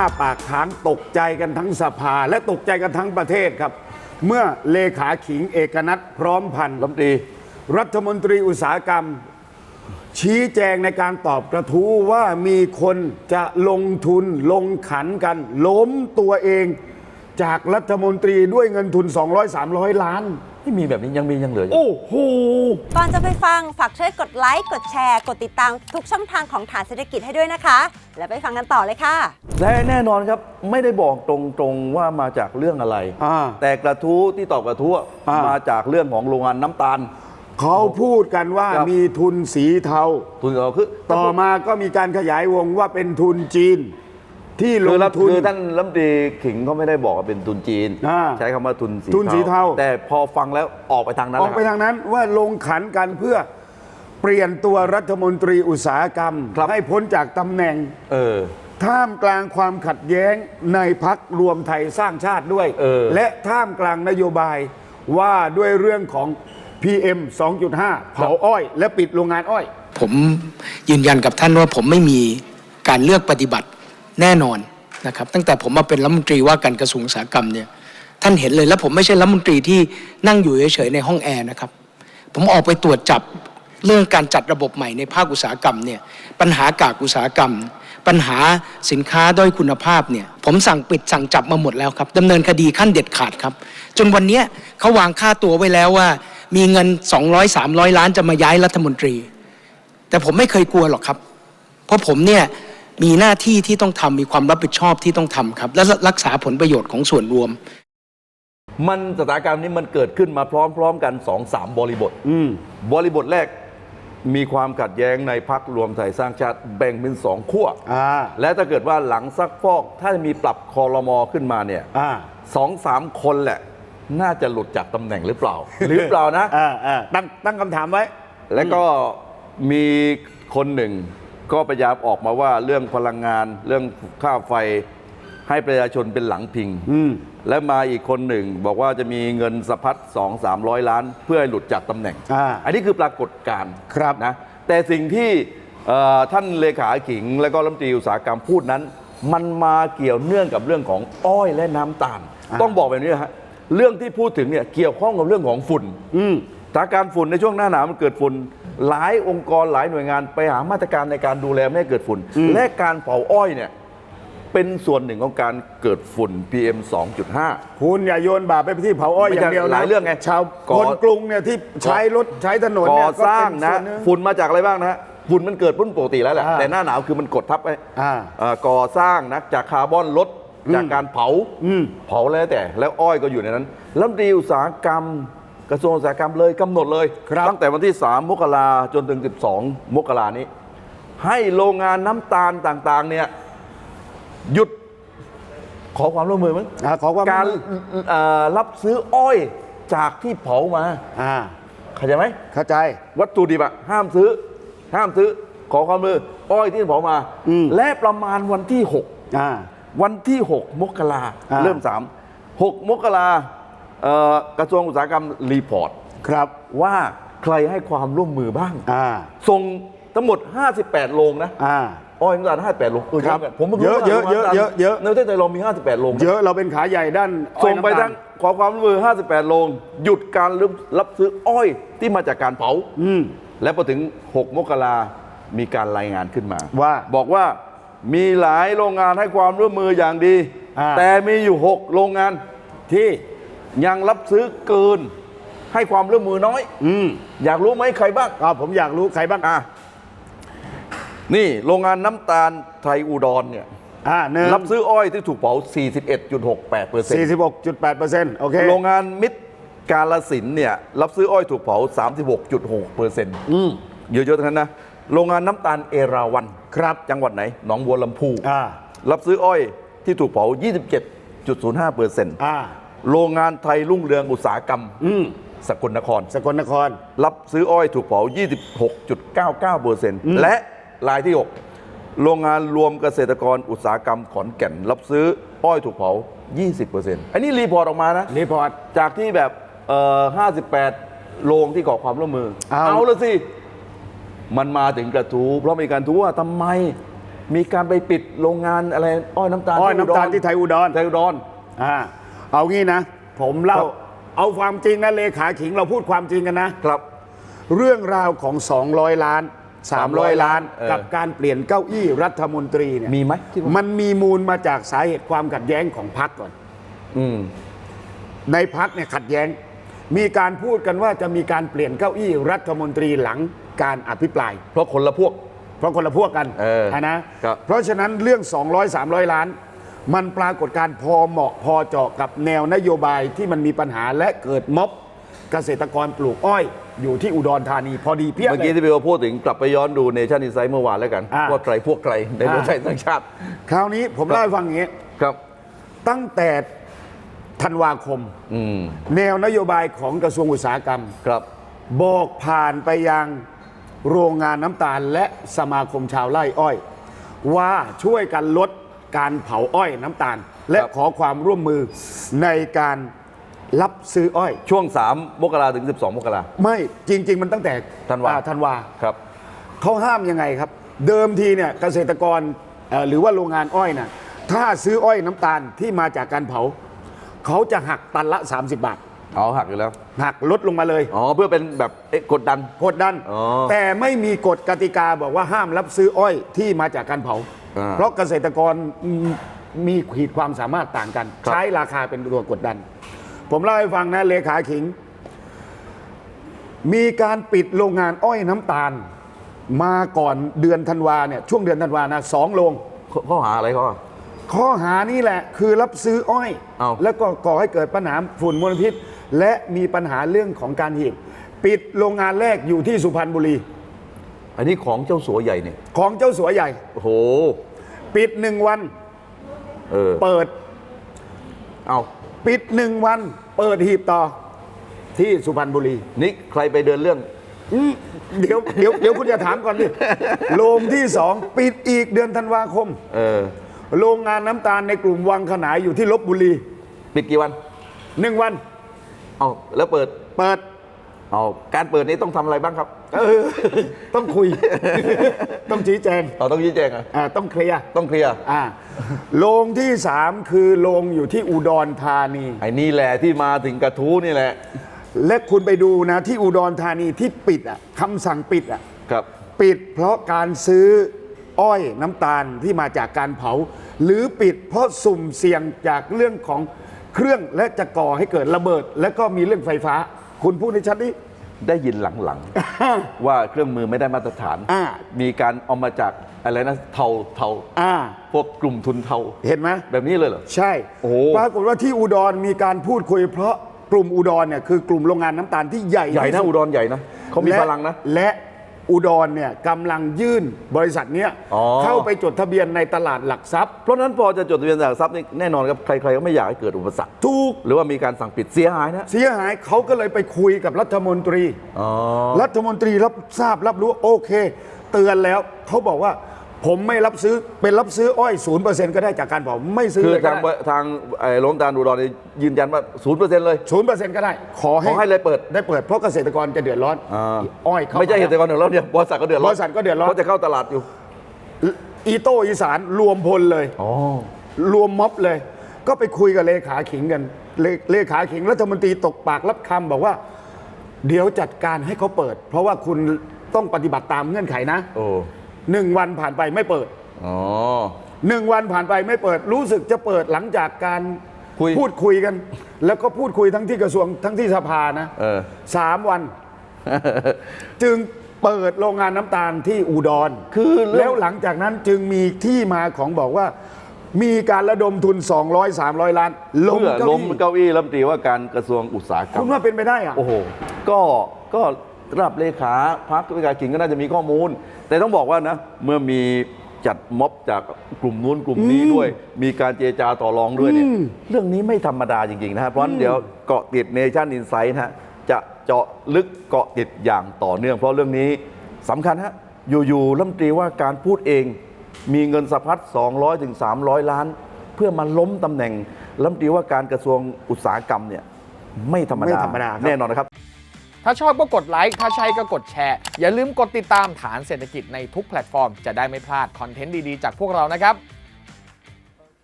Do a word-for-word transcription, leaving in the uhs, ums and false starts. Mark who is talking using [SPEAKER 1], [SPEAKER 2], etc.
[SPEAKER 1] าปากค้างตกใจกันทั้งสภาและตกใจกันทั้งประเทศครับ เมื่อเลขาขิงเอกนัทพร้อมพันธ์รัฐมนตรีรัฐมนตรีอุตสาหกรรม ชี้แจงในการตอบกระทู้ว่ามีคนจะลงทุนลงขันกันล้มตัวเองจากรัฐมนตรีด้วยเงินทุน สองร้อยสามร้อย ล้าน
[SPEAKER 2] ไม่มีแบบนี้ยังมียังเหลืออยู่
[SPEAKER 1] โอ้โห
[SPEAKER 3] ก่อนจะไปฟังฝากช่วยกดไลค์กดแชร์กดติดตามทุกช่องทางของฐานเศรษฐกิจให้ด้วยนะคะแล้วไปฟังกันต่อเลยค่ะ
[SPEAKER 2] และแน่นอนครับไม่ได้บอกตรงๆว่ามาจากเรื่องอะไรแต่กระทู้ที่ตอบกระทู้มาจากเรื่องของโรงงานน้ำตาล
[SPEAKER 1] เขาพูดกันว่ามีทุนสีเทา
[SPEAKER 2] ทุนสีเทาคือ
[SPEAKER 1] ต่อมาก็มีการขยายวงว่าเป็นทุนจีนที่ลงทุน
[SPEAKER 2] คือท่านรัฐมนตรีขิงเขาไม่ได้บอกว่าเป็นทุนจีนใช้คำว่าทุนสี
[SPEAKER 1] ทุนสีเทา
[SPEAKER 2] แต่พอฟังแล้วออกไปทางนั้น
[SPEAKER 1] ออกไปทางนั้นว่าลงขันกันเพื่อเปลี่ยนตัวรัฐมนตรีอุตสาหกรรมให้พ้นจากตำแหน่ง
[SPEAKER 2] เออ
[SPEAKER 1] ท่ามกลางความขัดแย้งในพรรครวมไทยสร้างชาติด้วยและท่ามกลางนโยบายว่าด้วยเรื่องของ พี เอ็ม สองจุดห้า เผาอ้อยและปิดโรงงานอ้อย
[SPEAKER 4] ผมยืนยันกับท่านว่าผมไม่มีการเลือกปฏิบัติแน่นอนนะครับตั้งแต่ผมมาเป็นรัฐมนตรีว่าการกระทรวงอุตสาหกรรมเนี่ยท่านเห็นเลยแล้วผมไม่ใช่รัฐมนตรีที่นั่งอยู่เฉยๆในห้องแอร์นะครับผมออกไปตรวจจับเรื่องการจัดระบบใหม่ในภาคอุตสาหกรรมเนี่ยปัญหากากอุตสาหกรรมปัญหาสินค้าด้อยคุณภาพเนี่ยผมสั่งปิดสั่งจับมาหมดแล้วครับดำเนินคดีขั้นเด็ดขาดครับจนวันนี้เขาวางค่าตัวไว้แล้วว่ามีเงินสองร้อย สามร้อยล้านจะมาย้ายรัฐมนตรีแต่ผมไม่เคยกลัวหรอกครับเพราะผมเนี่ยมีหน้าที่ที่ต้องทำมีความรับผิดชอบที่ต้องทำครับและรักษาผลประโยชน์ของส่วนรวม
[SPEAKER 2] มันสถานการณ์นี้มันเกิดขึ้นมาพร้อมๆกัน สองสาม บริบทบริบทแรกมีความขัดแย้งในพรรครวมไทยสร้างชาติแบ่งเป็นสองขั้วและถ้าเกิดว่าหลังซักฟอกถ้ามีปรับครม.ขึ้นมาเนี่ยสองสามคนแหละน่าจะหลุดจากตำแหน่งหรือเปล่าหรือเปล่านะ
[SPEAKER 1] ตั้งตั้งคำถามไว้
[SPEAKER 2] แล้วก็มีคนหนึ่งก็พยายามออกมาว่าเรื่องพลังงานเรื่องค่าไฟให้ประชาชนเป็นหลังพิงและมาอีกคนหนึ่งบอกว่าจะมีเงินสะพัดสองสามร้อยล้านเพื่อให้หลุดจากตำแหน่ง อ, อันนี้คือปรากฏการณ์นะแต่สิ่งที่ท่านเลขาขิงและก็รัฐมนตรีอุตสาหกรรมพูดนั้นมันมาเกี่ยวเนื่องกับเรื่องของอ้อยและน้ำตาลต้องบอกแบบนี้นะฮะเรื่องที่พูดถึงเนี่ยเกี่ยวข้องกับเรื่องของฝุ่นสถานการณ์ฝุ่นในช่วงหน้าหนาวมันเกิดฝุ่นหลายองค์กรหลายหน่วยงานไปหามาตรการในการดูแลไม่ให้เกิดฝุ่นและการเผาอ้อยเนี่ยเป็นส่วนหนึ่งของการเกิดฝุ่น พี เอ็ม สองจุดห้า
[SPEAKER 1] คุณอย่าโยนบาปไปที่เผาอ้อยอย่างเดียวนะ
[SPEAKER 2] หลายเรื่องไง
[SPEAKER 1] ชาวคนกรุงเนี่ยที่ใช้รถใช้ถนนเนี่ย
[SPEAKER 2] ก่อสร้างนะฝุ่นมาจากอะไรบ้างนะฝุ่นมันเกิดพุ่นปกติแล้วแหละแต่หน้าหนาวคือมันกดทับไปก่อสร้างนะจากคาร์บอนลดจากการเผาเผาแล้วแต่แล้วอ้อยก็อยู่ในนั้นรัฐมนตรีอุตสาหกรรมกระทรวงอุตสาหกรรมเลยกำหนดเลยตั้งแต่วันที่สามมกราจนถึงสิบสองมกรานี้ให้โรงงานน้ำตาลต่างๆเนี่ยหยุดขอความร่วมมือมั้งการรับซื้ออ้อยจากที่เผามาเข้าใจไหม
[SPEAKER 1] เข้าใจ
[SPEAKER 2] วัตถุดิบอะห้ามซื้อห้ามซื้อขอความร่วมมืออ้อยที่เผามาและประมาณวันที่หกวันที่หกมกราเริ่มสามหกมกรากระทรวงอุตสาหกรรมรีพอร์ต
[SPEAKER 1] ครับ
[SPEAKER 2] ว่าใครให้ความร่วมมือบ้างส่งทั้งหมดห้าสิบแปดโรงนะอ้อยน้ำตาลห้าสิบแปดโรง
[SPEAKER 1] ผมเยอะเยอะเยอะเยอะเยอะ
[SPEAKER 2] ในประเทศไทยเรามีห้าสิบแปดโรง
[SPEAKER 1] เยอะเราเป็นขาใหญ่ด้าน
[SPEAKER 2] ส่งไปทั้งขอความร่วมมือห้าสิบแปดโรงหยุดการรับซื้ออ้อยที่มาจากการเผาและพอถึงหกมกรามีการรายงานขึ้นมา
[SPEAKER 1] ว่า
[SPEAKER 2] บอกว่ามีหลายโรงงานให้ความร่วมมืออย่างดีแต่มีอยู่หกโรงงานที่ยังรับซื้อเกินให้ความร่วมมือน้อยอืมอยากรู้ไหมใครบ้าง
[SPEAKER 1] อ่าผมอยากรู้ใครบ้าง
[SPEAKER 2] อ่ะนี่โรงงานน้ำตาลไทยอุดรเนี่ย
[SPEAKER 1] อ่า
[SPEAKER 2] รับซื้ออ้อยที่ถูกเผา สี่สิบเอ็ดจุดหกแปดเปอร์เซ็นต์
[SPEAKER 1] สี่สิบหกจุดแปดเปอร์เซ็นต์ โอเค
[SPEAKER 2] โรงงานมิตรกาฬสินธุ์เนี่ยรับซื้ออ้อยถูกเผา สามสิบหกจุดหกเปอร์เซ็นต์ อืมเยอะๆทั้งนั้นนะโรงงานน้ำตาลเอราวัณ
[SPEAKER 1] ครับ
[SPEAKER 2] จังหวัดไหนหนองบัวลำพูอ่ารับซื้ออ้อยที่ถูกเผา ยี่สิบเจ็ดจุดศูนย์ห้าเปอร์เซ็นต์ อ่าโรงงานไทยรุ่งเรืองอุตสาหกรรมสกลนคร
[SPEAKER 1] สกลนคร
[SPEAKER 2] รับซื้ออ้อยถูกเผา ยี่สิบหกจุดเก้าเก้าเปอร์เซ็นต์ และรายที่หกโรงงานรวมเกษตรกรอุตสาหกรรมขอนแก่นรับซื้ออ้อยถูกเผา ยี่สิบเปอร์เซ็นต์ อันนี้รีพอร์ตออกมานะ
[SPEAKER 1] รีพอร์ต
[SPEAKER 2] จากที่แบบเอ่อห้าสิบแปดโรงที่ขอความร่วมมือเอาละสิมันมาถึงกระทู้เพราะมีการทู้ว่าทำไมมีการไปปิดโรงงานอะไรอ้อยน้ำตาล
[SPEAKER 1] อ้อยน้ำตาลที่ไทยอุดร
[SPEAKER 2] ไทยอุดร
[SPEAKER 1] อ่าเอางี้นะ ผมเล่า
[SPEAKER 2] ครับ
[SPEAKER 1] เอาความจริงนะเลขาขิงเราพูดความจริงกันนะ
[SPEAKER 2] ครับ
[SPEAKER 1] เรื่องราวของ สองร้อย ล้าน สามร้อย ล้าน
[SPEAKER 2] เออ
[SPEAKER 1] กับการเปลี่ยนเก้าอี้รัฐมนตรีเนี่ย
[SPEAKER 2] มีไหมคิดว่า
[SPEAKER 1] มันมีมูลมาจากสาเหตุความขัดแย้งของพรรคก่อน
[SPEAKER 2] อืม
[SPEAKER 1] ในพรรคเนี่ยขัดแย้ง มีการพูดกันว่าจะมีการเปลี่ยนเก้าอี้รัฐมนตรีหลังการอภิปราย
[SPEAKER 2] เพราะคนละพวก
[SPEAKER 1] เพราะคนละพวกกัน
[SPEAKER 2] เออ
[SPEAKER 1] นะครับ เพราะฉะนั้นเรื่อง สองร้อย สามร้อย ล้าน มันปรากฏการณ์พอเหมาะพอเจาะกับแนวนโยบายที่มันมีปัญหาและเกิดม็อบเกษตรกรปลูกอ้อย อยู่ที่อุดรธานีพอดีเพียบ
[SPEAKER 2] เมื่อ
[SPEAKER 1] เล
[SPEAKER 2] กี้
[SPEAKER 1] ย
[SPEAKER 2] ที่พี่โอพูดถึงกลับไปย้อนดูเนชั่นอินไซด์เมื่อวานแล้วกัน
[SPEAKER 1] อ่า
[SPEAKER 2] ว่าใครพวกใครในรวมไทยสร้างชาติ
[SPEAKER 1] คราวนี้ผมเล่าให้ฟังอย่างนี้
[SPEAKER 2] ครับ
[SPEAKER 1] ตั้งแต่ธันวาคม
[SPEAKER 2] อืม
[SPEAKER 1] แนวนโยบายของกระทรวงอุตสาหกรรม
[SPEAKER 2] ครับ
[SPEAKER 1] บอกผ่านไปยังโรงงานน้ำตาลและสมาคมชาวไร่อ้อย ว่าช่วยกันลดการเผาอ้อยน้ำตาล และ
[SPEAKER 2] ครับ
[SPEAKER 1] ขอความร่วมมือในการรับซื้ออ้อย
[SPEAKER 2] ช่วงสามมกราถึงสิบสองมกรา
[SPEAKER 1] ไม่จริง ๆ มันตั้งแต่
[SPEAKER 2] ธันวา
[SPEAKER 1] อ่ธันวา
[SPEAKER 2] ครับ
[SPEAKER 1] เขาห้ามยังไงครับ เดิมทีเนี่ยเกษตรกรเอ่อหรือว่าโรงงานอ้อยนะถ้าซื้ออ้อยน้ำตาลที่มาจากการเผา เขาจะหักตันละ สามสิบบาท
[SPEAKER 2] อ๋อหักอยู่แล้ว
[SPEAKER 1] หักลดลงมาเลย
[SPEAKER 2] อ๋อเพื่อเป็นแบบเอ๊ะกดดัน
[SPEAKER 1] กดดัน
[SPEAKER 2] อ๋อ
[SPEAKER 1] แต่ไม่มีกฎกติกาบอกว่าห้ามรับซื้ออ้อยที่มาจากการเผา
[SPEAKER 2] อ่า
[SPEAKER 1] เพราะเกษตรกรมีขีดความสามารถต่างกัน
[SPEAKER 2] ครับ
[SPEAKER 1] ใช้ราคาเป็นตัวกดดัน ผมเล่าให้ฟังนะเลขาขิง มีการปิดโรงงานอ้อยน้ำตาล มาก่อนเดือนธันวาเนี่ยช่วงเดือนธันวานะสองโรง
[SPEAKER 2] ข้อข้อหาอะไรเขาอะ
[SPEAKER 1] ข้อหานี่แหละคือรับซื้ออ้อย
[SPEAKER 2] เอา
[SPEAKER 1] แล้วก็ก่อให้เกิดปัญหาฝุ่นมลพิษ และมีปัญหาเรื่องของการหีบปิดโรงงานแรกอยู่ที่สุพรรณบุรี
[SPEAKER 2] อันนี้ของเจ้าสัวใหญ่เนี่ย
[SPEAKER 1] ของเจ้าสัวใหญ่
[SPEAKER 2] โอ้โห
[SPEAKER 1] ปิดหนึ่งวัน
[SPEAKER 2] เออ
[SPEAKER 1] เปิด
[SPEAKER 2] เอา
[SPEAKER 1] ปิดหนึ่งวัน เปิดหีบต่อที่สุพรรณบุรี
[SPEAKER 2] นี่ใครไปเดินเรื่อง
[SPEAKER 1] อืมเดี๋ยวเดี๋ยวเดี๋ยวคุณจะถามก่อนดิโรงที่สองปิดอีกเดือนธันวาคม
[SPEAKER 2] เออ
[SPEAKER 1] โรงงานน้ำตาลในกลุ่มวังขนายอยู่ที่ลบบุรี
[SPEAKER 2] ปิดกี่วัน
[SPEAKER 1] หนึ่งวัน
[SPEAKER 2] เอาแล้วเปิด
[SPEAKER 1] เปิด
[SPEAKER 2] เอาการเปิดนี้ต้องทำอะไรบ้างครับ
[SPEAKER 1] เออต้องคุย ต้องชี้แจง
[SPEAKER 2] เราต้องชี้แจงอ่ะ
[SPEAKER 1] อ่าต้องเคลียร์
[SPEAKER 2] ต้องเคลียร์
[SPEAKER 1] อ่าโรงที่สามคือโรงอยู่ที่อุดรธานี
[SPEAKER 2] ไอ้นี่แหละที่มาถึงกระทู้นี่แหละ
[SPEAKER 1] และคุณไปดูนะที่อุดรธานีที่ปิดอ่ะคำสั่งปิดอ่ะ
[SPEAKER 2] ครับ
[SPEAKER 1] ปิดเพราะการซื้ออ้อยน้ำตาลที่มาจากการเผา หรือปิดเพราะสุ่มเสี่ยงจากเรื่องของเครื่องและจะก่อให้เกิดระเบิด และก็มีเรื่องไฟฟ้า คุณพูดในชัดนี้
[SPEAKER 2] ได้ยินหลังๆ ว่าเครื่องมือไม่ได้มาตรฐาน
[SPEAKER 1] อ่า
[SPEAKER 2] มีการเอามาจากอะไรนะเทาเทา
[SPEAKER 1] อ่า
[SPEAKER 2] พวกกลุ่มทุนเทา
[SPEAKER 1] เห็นไหม
[SPEAKER 2] แบบนี้เลยเหรอ
[SPEAKER 1] ใช่
[SPEAKER 2] โอ้โห
[SPEAKER 1] ปรากฏว่าที่อุดรมีการพูดคุย เพราะกลุ่มอุดรเนี่ยคือกลุ่มโรงงานน้ำตาลที่ใหญ่
[SPEAKER 2] ใหญ่
[SPEAKER 1] ที่
[SPEAKER 2] นะ
[SPEAKER 1] สุ
[SPEAKER 2] อุดรใหญ่นะเขามี
[SPEAKER 1] และ
[SPEAKER 2] พลังนะ
[SPEAKER 1] และอุดรเนี่ยกำลังยื่นบริษัทเนี้ย
[SPEAKER 2] อ๋อ
[SPEAKER 1] เข้าไปจดทะเบียนในตลาดหลักทรัพย์
[SPEAKER 2] เพราะฉะนั้นพอจะจดทะเบียนหลักทรัพย์นี่แน่นอนครับใครๆก็ไม่อยากให้เกิดอุปสรรค
[SPEAKER 1] ถูก
[SPEAKER 2] หรือว่ามีการสั่งปิดเสียหายนะ
[SPEAKER 1] เสียหายเขาก็เลยไปคุยกับรัฐมนตรี
[SPEAKER 2] อ๋อ
[SPEAKER 1] รัฐมนตรีรับทราบรับรู้โอเค เตือนแล้วเขาบอกว่าผมไม่รับซื้อเป็นรับซื้ออ้อยศูนย์เปอร์เซ็นต์ก็ได้จากการเผาไม่ซื้อ
[SPEAKER 2] คือ
[SPEAKER 1] เลยก็
[SPEAKER 2] ทาง
[SPEAKER 1] ได้
[SPEAKER 2] ทางไอ้โรงตาลอุดรนี่ยืนยันว่าศูนย์เปอร์เซ็นต์เลย
[SPEAKER 1] ศูนย์เปอร์เซ็นต์ก็ได้ ขอ
[SPEAKER 2] ขอให้เลยเปิด
[SPEAKER 1] ได้เปิดเพราะเกษตรกรจะเดือดร้อน
[SPEAKER 2] อ่า
[SPEAKER 1] อ้อยเข้า
[SPEAKER 2] ไม่ใช่
[SPEAKER 1] า
[SPEAKER 2] เกษตรกรเดือดร้อนเนี่ยบริษัทก็เดือดร้อน
[SPEAKER 1] บริษัทก็เดือดร้อน
[SPEAKER 2] เขาจะเข้าตลาดอยู่
[SPEAKER 1] อีโต้อีสานรวมพลเลย
[SPEAKER 2] อ๋อ
[SPEAKER 1] รวมม็อบเลย ก็ไปคุยกับเลขาขิงกันเลเลขาขิงรัฐมนตรีตกปากรับคำบอกว่า เดี๋ยวจัดการให้เขาเปิด เพราะว่าคุณต้องปฏิบัติตามเงื่อนไขนะ
[SPEAKER 2] โอ้
[SPEAKER 1] หนึ่งวันผ่านไปไม่เปิด
[SPEAKER 2] อ๋อ
[SPEAKER 1] หนึ่งวันผ่านไปไม่เปิด รู้สึกจะเปิดหลังจากการ
[SPEAKER 2] คุย
[SPEAKER 1] พูดคุยกัน แล้วก็พูดคุยทั้งที่กระทรวงทั้งที่สภานะ
[SPEAKER 2] เออ
[SPEAKER 1] สามวัน จึงเปิดโรงงานน้ำตาลที่อุดร
[SPEAKER 2] คือเรื่อง
[SPEAKER 1] แล้วหลังจากนั้นจึงมีที่มาของบอกว่า มีการระดมทุน สองร้อย สามร้อย ล้านล้ม
[SPEAKER 2] เพื่อ
[SPEAKER 1] เก้า
[SPEAKER 2] ล้ม
[SPEAKER 1] อี้
[SPEAKER 2] เก้าอี้รัฐมนตรีว่าการกระทรวงอุตสาหกรร
[SPEAKER 1] คุ
[SPEAKER 2] ม
[SPEAKER 1] ณว่าเป็นไปได้อะ
[SPEAKER 2] โอ้โห ก็ก็ระดับเลขาพรรคเลขาขิงก็น่าจะมีข้อมูล แต่ต้องบอกว่านะ เมื่อมีจัดม็อบจากกลุ่มนู้นกลุ่มนี้ด้วย มีการเจรจาต่อรองด้วยเนี่ย เรื่องนี้ไม่ธรรมดาจริง ๆ นะครับ เพราะฉะนั้นเดี๋ยวเกาะติดเนชั่นอินไซต์นะฮะ จะเจาะลึกเกาะติดอย่างต่อเนื่อง เพราะเรื่องนี้สำคัญฮะ อยู่ๆรัฐมนตรีว่าการพูดเอง มีเงินสะพัดสองร้อยถึงสามร้อย ล้าน เพื่อมาล้มตำแหน่งรัฐมนตรีว่าการกระทรวงอุตสาหกรรมเนี่ยไม่ธรรมดา
[SPEAKER 1] ไม่ธรรมดาครับ
[SPEAKER 2] แน่นอนนะครับ
[SPEAKER 5] ถ้าชอบก็กดไลค์ถ้าใช่ก็กดแชร์อย่าลืมกดติดตามฐานเศรษฐกิจในทุกแพลตฟอร์มจะได้ไม่พลาดคอนเทนต์ดีๆจากพวกเรานะครับ